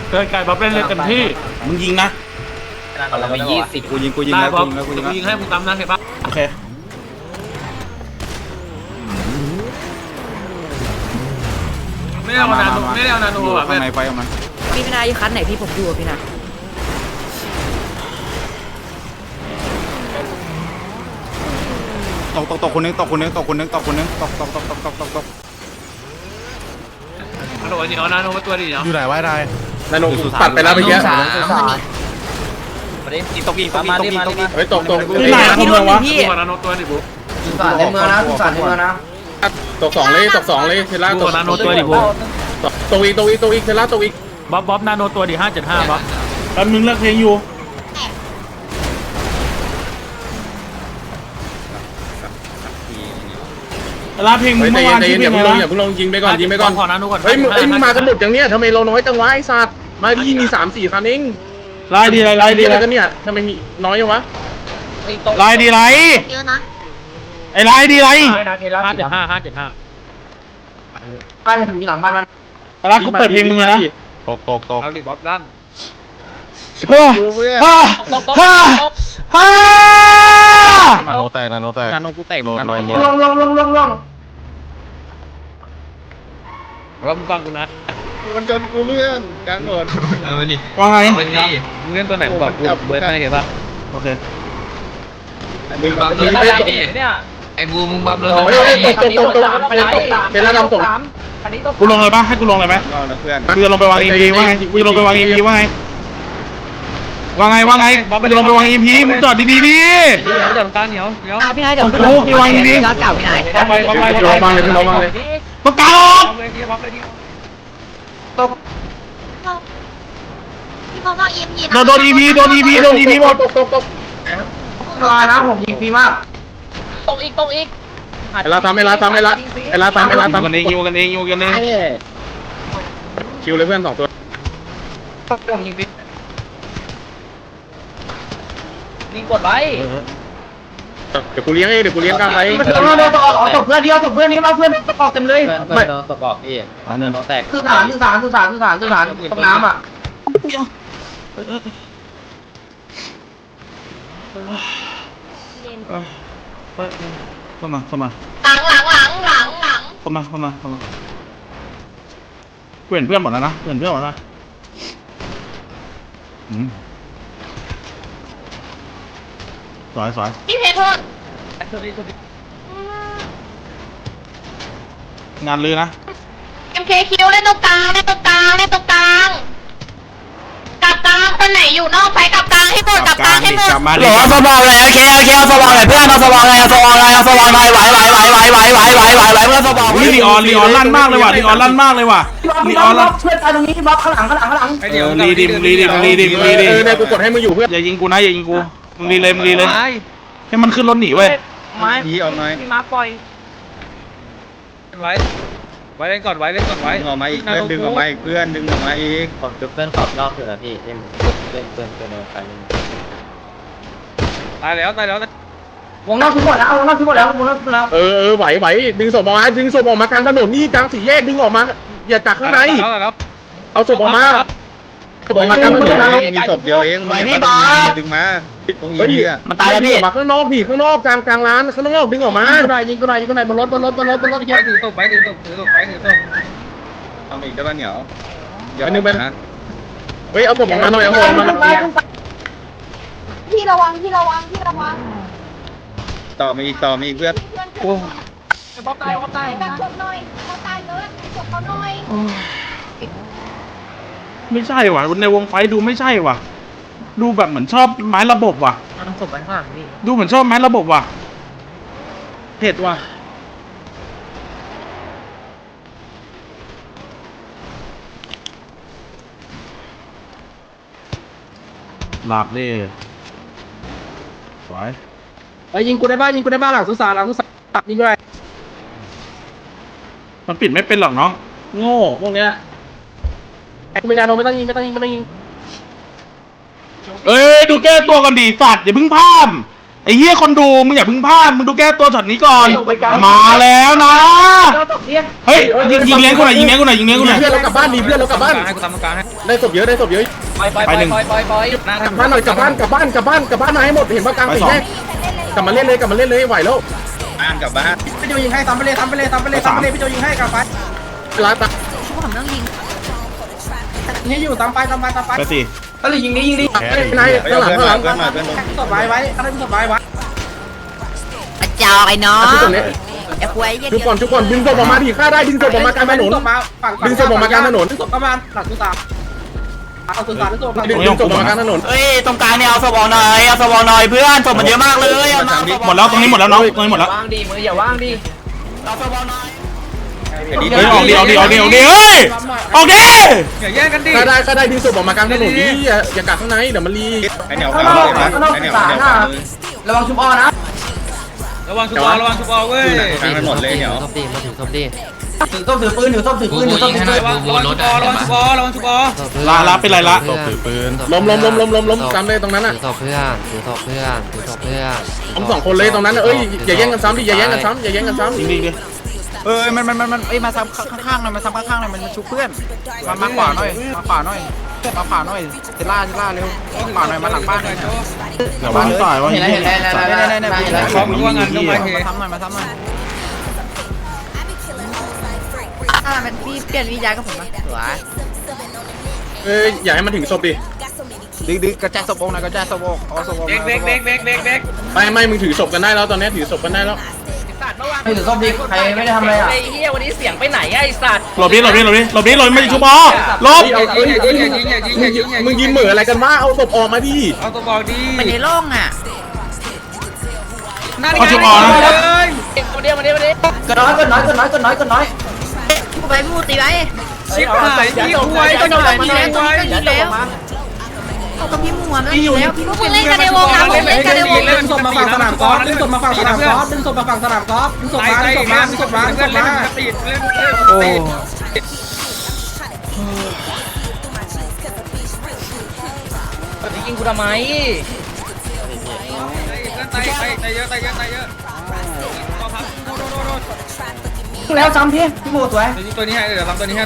เกินไก่บ๊อบเล่นเลยเต็มที่มึงยิงนะเราไป20 กูยิงแล้วกูยิงให้มึงตามนะเห็นปะโอเคไม่ได้เอานาโนแบบข้างในไฟออกมาพี่นาอยู่คันไหนพี่ผมดูพี่นาตกคนนึงตกอันนี้เอานาโนมาตัวดิเนาะอยู่ไหนวะได้นาโนตัดไปแล้วเมื่อกี้ตกอีกเฮ้ยตกที่ไหนคุณเมืองวะดูนาโนตัวดิบุ๊สุสานในเมืองนะสุสานในเมืองนะตก2เลยเทล่าตกนาโนตัวดิบุ๊ตกอีกเทล่าตกอีกบ๊อบนาโนตัวดิ575บ๊อบแป๊บนึงเลิกเพลงอยู่ลาเพลงมึงเมื่อวานชื่อเพลงอะไรนะอย่าเพิ่งลงยิงไปก่อนขอนาโนก่อนเฮ้ยมึงมากันหมดอย่างเนี้ยทำไมเราน้อยจังวะไอ้สัตว์มาที่มี3-4คันเองลายดีไรดีอะไรกันเนี่ยทำไมมีน้อยจังวะลายดีไรเยอะนะไอ้ลายดีไร 575 บ้านมันอยู่หลังบ้านมันลากูเปิดเพลงมึงนะตกเอาดิบ๊อบด้านนาโนแตกนาโนกูแตกลงแล้วมึงฟังกูนะมันจนกูเลื่อนกลางหมดว่าไงมึงเล่นตัวไหนบอกกูเบิร์ดให้เห็นป่ะโอเคมึงบังเนี่ยไอ้บูมึงบังเลยตกเทล่าดำตกกูลงเลยปะให้กูลงเลยไหมกูจะลงไปวาง EP ว่าไงกูจะลงไปวาง EP ว่าไงกูจะลงไปวาง EP มึงจอดดีๆดิเดี๋ยวตาเหนียวพี่นายเดี๋ยวโอ้ยวาง EP แล้วเก่าพี่นายลงมาเลยต้องการออกพี่พอว่าEMP โดน EP หมดตกลายนะผมยิงฟรีมากตกอีกไอ้ลาตามกันเองอยู่กันเองคิวเลยเพื่อน2ตัวผมยิงฟรียิงกดไว้เดี๋ยวกูเลี้ยงกลางไปตกเพื่อนเดียวตกเพื่อนนี้มาเพื่อนตกเต็มเลยไม่ตกออกพี่เนินแตกสุสานตกน้ำอ่ะเข้ามาเข้ามาเพื่อนหมดแล้วนะสวยพี่เพชรโทษงานลือนะ MKQ เล่นตรงกลางกับกลางคนไหนอยู่นอกไฟกับกลางให้หมดกลางให้หมดหลอสบองเลยเคเอาสบองเลยเพื่อนเอาสบองเลยไหวเพื่อนสบองลีออนลั่นมากเลยว่ะลีออนลั่นเพื่อนตายตรงนี้บล็อกข้างหลังลีดิมเนี่ยกูกดให้มึงอยู่เพื่อนอย่ายิงกูมึงลีเลยให้มันขึ้นรถหนีเว้ยหนีออกหน่อยพี่มาปล่อยไว้เล่นก่อนไว้ดึงออกมาอีกดึงออกมาอีกผมจุดเพื่อนขอบนอกคือพี่เล่นเพื่อนไปตายแล้ววงนอกทุกหมดแล้วไหวดึงศพออกมากลางถนนนี่กลางสี่แยกดึงออกมาอย่าจากข้างในเอาศพออกมากลางถนนมีศพเดียวเองดึงมาตรงนี้มันตายแล้วพี่มาข้างนอกกลางร้านข้างนอกดึงออกมายิงกูหน่อยบนรถเยอะถือตบไปเอาอีกได้ป่ะเหนียวเดี๋ยวนึงไปนะเฮ้ยเอาศพออกมาหน่อยพี่ระวังต่อมาอีกเพื่อนโอ้บ๊อบตายแบบศพหน่อยเขาตายเลยศพเขาหน่อยไม่ใช่ว่ะในวงไฟดูไม่ใช่ว่ะดูแบบเหมือนชอบไม้ระบบว่ะศพไปข้างหลังพี่ดูเหมือนชอบไม้ระบบว่ะเผ็ดว่ะหลับดิสวยยิงกูได้บ้านหลังสุสานยิงกูได้มันปิดไม่เป็นหรอกน้องโง่พวกเนี้ยไม่ต้องยิงเเอ้ยดูแก้ตัวกันดีสัตว์อย่าเพิ่งพามไอไอ้เหี้ยคนดูมึงอย่าเพึ่งพลาดมึงดูแก้ตัวช็อตนี้ก่อนมาแล้วนะเฮ้ยยิงเลี้ยงกูหน่อยยิงเลี้ยงกูหน่อยยิงเลี้ยงกูหน่อยเพื่อนเรากลับบ้านดีเพื่อนเรากลับบ้านให้กูทำตรงกลางให้ได้ศพเยอะได้ศพเยอะไปหนึ่งกลับบ้านหน่อยกลับบ้านมาให้หมดเห็นว่ากลางสี่แยกกลับมาเล่นเลยไหวแล้วพี่โจยิงให้ซ้ำไปเลยพี่โจยิงให้กลับไปเวลาตัดนี่อยู่ซ้ำไปไปสิก็เลยยิงดินายข้างหลังศพไว้ข้างหน้าศพไว้กระจอกไอ้น้องที่ตรงนี้ไอ้ควยเหี้ยทุกคนดึงศพออกมาดิฆ่าได้ดึงศพออกมากลางถนน ดึงศพออกมากลางถนนดึงศพประมาณหลังตุตาเอาตุตาดึงศพดึงศพออกมากลางถนนเอ้ยตรงกลางเนี่ยเอาสวอหน่อยเอาสวอหน่อยเพื่อนศพมันเยอะมากเลยเอามาหมดแล้วตรงนี้หมดแล้วน้องตรงนี้หมดแล้วว่างดีมืออย่าว่างดีเอาสวอหน่อยเฮ้ยออกดิเฮ้ยออกดิอย่าแย่งกันดิฆ่าได้ดึงศพออกมากลางถนนดิอย่ากัดข้างในเดี๋ยวมันรีระวังชุบอ้อนะระวังชุบอลเว้ยกลางถนนเลยเหนียวถือส้มถือปืนระวังชุบอลลาเป็นไรละล้มจำเลยตรงนั้นอ่ะถือศพเพื่อนถือศพเพื่อนถือศพเพื่อนล้มสองคนเลยตรงนั้นเอ้ยอย่าแย่งกันซ้ำดิอย่าแย่งกันซ้ำจริงดิมันเอ้ยมาซ้ำข้างๆหน่อยมาซ้ำข้างๆหน่อยมันชุบเพื่อนมาขวาหน่อยเจล่าเร็วขวาหน่อยมาหลังบ้านหน่อยอย่าบ้านต่อยว่าเห็นแล้วเขาบอกว่างานต้องมาเทมาซ้ำหน่อยมันพี่เปลี่ยนวิญญาณกับผมมาสวยอย่าให้มันถึงศพดิดึงกระจายศพวงหน่อยกระจายศพวงเอาศพวงเด็กไม่มึงถือศพกันได้แล้วตอนนี้ถือศพกันได้แล้วถือส้มดิใครไม่ได้ทำอะไรอ่ะไอ้เหี้ยวันนี้เสียงไปไหนไอ้สัตว์หลบดิไม่ชุบอลบมึงยิ้มเหม่ออะไรกันวะเอาศพออกมาดิเอาตัวบอกดีไปในร่องอ่ะเขาชุบอลนะมาเดียวก็น้อยกูไปพูดตีไว้ชิบหายพี่คุยก็หายพี่คุยเขาก็พี่มัวมันอยู่แล้วพี่พวกมึงเล่นกันในวงนะผมเล่นกันในวงดึงศพมาฝั่งสนามกอล์ฟดึงศพมาฝั่งสนามกอล์ฟดึงศพมาติดเล่นโอ้ยิงกูทำไมตายเยอะแล้วซ้ำพี่โมสวยตัวนี้ให้เดี๋ยวทำตัวนี้ให้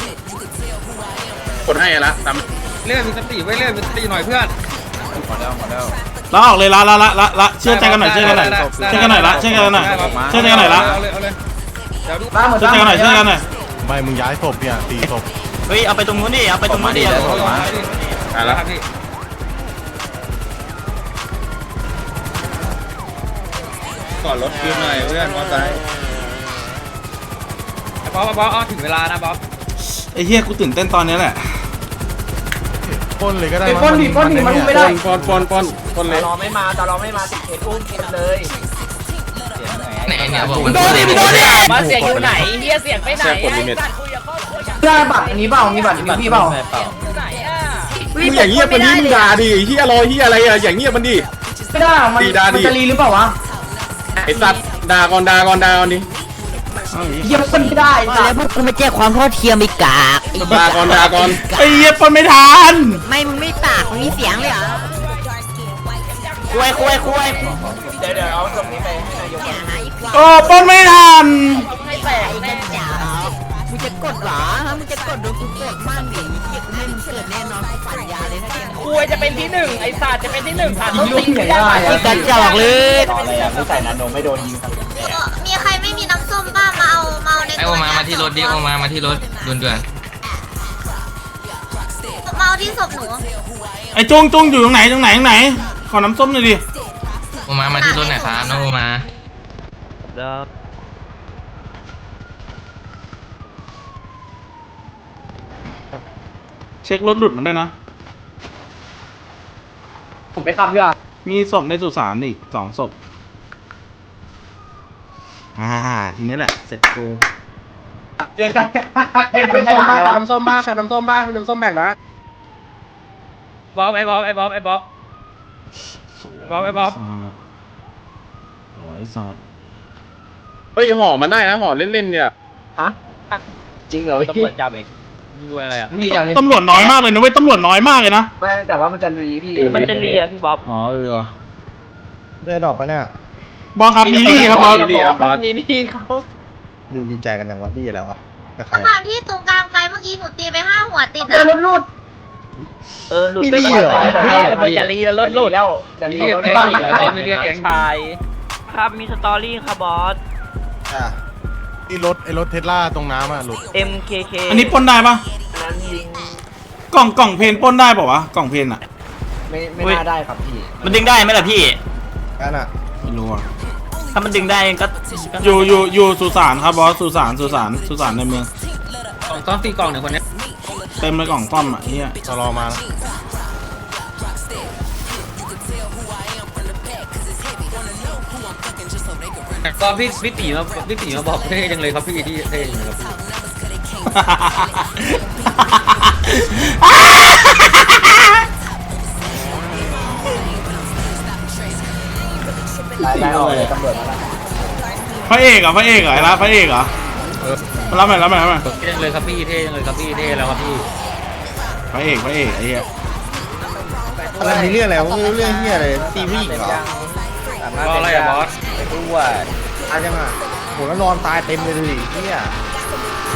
กดให้ละตามเลื่อนมีสติไว้เลื่อนมีสติหน่อยเพื่อนลาออกเลยละเชื่อใจกันหน่อยละเชื่อใจกันหน่อยละเอาเลยเดี๋ยวดูบ้าหมดเชื่อใจกันหน่อยไม่มึงย้ายศพเนี่ยตีศพเฮ้ยเอาไปตรงนู้นดิเอาไปตรงนู้นดิแล้วครับพี่ก่อนรถคืนหน่อยเพื่อนมอไซค์บ๊อบถึงเวลานะบ๊อบไอ้เหี้ยกูตื่นเต้นตอนนี้แหละปล้นเลยก็ได้ป้นดิมันไม่ได้ปอนเลยรอไม่มาติดเขตอุ้มกินเลยไหนเนี่ยบอกมันโดนดิมาเสียงอยู่ไหนเฮียเสียงไปไหนไอ้สัตว์คุยกับครอบครัวอย่างได้บัตรอันนี้เปล่ามีบัตรพี่เปล่าอยู่ไหนอ่ะมึงอย่างเงียบมันนี่มึงด่าดิเฮียรอเฮียอะไรอะอย่างเงียบมันดิไม่ได้มันจะรีหรือเปล่าวะไอ้สัตว์ด่าก่อนดิเยี่ยมคนไม่ได้แล้วพวกกูไม่แจ้งความเท่าเทียมอีกกากด่าก่อนไอ้เหี้ยปนไม่ทันไม่มึงไม่ปากมึงมีเสียงเลยเหรอคุยเดี๋ยวเอาตรงนี้ไปให้นายกอย่าหาอีกว่าโอ้ปนไม่ทันให้แตกแน่จ๋ามึงจะกดเหรอฮะมึงจะกดโดนกูกดมั่งดิเหี้ยกูไม่มึงเกิดแน่นอนกูฝันยาเลยนะเนี่ยคุยจะเป็นที่หนึ่งไอ้สัตว์จะเป็นที่หนึ่งผ่านต้นลูกตีที่ไหนได้มึงกระจอกเลยมีใครไม่มีน้ำส้มบ้างมาเอาในไอโอมาที่รถดิโอมาที่รถด่วนมาเอาที่ศพหนูไอ้จุงอยู่ตรงไหนขอน้ำส้มหน่อยดิโอมาที่รถหน่อยครับน้องโอมาเช็ครถหลุดมันได้นะผมไปขับดีกว่ามีศพในสุสานอีก2 ศพทีนี้แหละเสร็จกูเจอกันน้ำส้มบ้างน้ำส้มแบ่งนะบ๊อบไอ้บ๊อบโอ้ยสัตว์เฮ้ยห่อมันได้นะห่อเล่นๆเนี่ยฮะจริงเหรอตำรวจจับเองดูอะไรอ่ะนี่อย่างนี้ตำรวจน้อยมากเลยนะเว้ยตำรวจน้อยมากเลยนะไม่แต่ว่ามันจะรีพี่มันจะเลียพี่บ๊อบอ๋อเดินออกไปเนี่ยบอลครับดีนี่ครับบอลนี่เขาดูดีใจกันอย่างว่าดีแล้วอ่ะกับใครตอนที่ตรงกลางไฟเมื่อกี้หนูตีไป5 หัวติดเดิอะนรุดหลุดไปก่อนจะรีแล้วรถแล้วจะรีรถบ้างไม่เรียกแก๊งชายครับมีสตอรี่ครับบอสที่รถไอ้รถเทสลาตรงน้ำอ่ะหลุด MKK อันนี้ปล้นได้ปะกล่องเพนปล้นได้ป่าวะกล่องเพนอะไม่น่าได้ครับพี่มันดึงได้ไหมล่ะพี่กันอ่ะไม่รู้อะถ้ามันดึงได้ก็อยู่สุสานครับบอสสุสานในเมืองต้องตีกล่องหนึ่งคนนี้เต็มเลยกล่องซ่อมอ่ะเฮียตลอมาแล้วก็พี่ตีมาบอกเท่จังเลยครับพี่ที่เท่จังเลยครับพี่ได้ออกเลยตำรวจมาแล้วพระเอกเหรอไอ้ละพระเอกเหรอมารับหน่อยเท่จังเลยครับพี่เท่จังเลยครับพี่เท่แล้วครับพี่พระเอกไอ้เหี้ยอะไรมีเรื่องอะไรวะไม่รู้เรื่องเฮียอะไรตีผู้หญิงเหรอก็อะไรอะบอสด้วยตายจังอ่ะโหแล้วนอนตายเต็มเลยดูดิเฮีย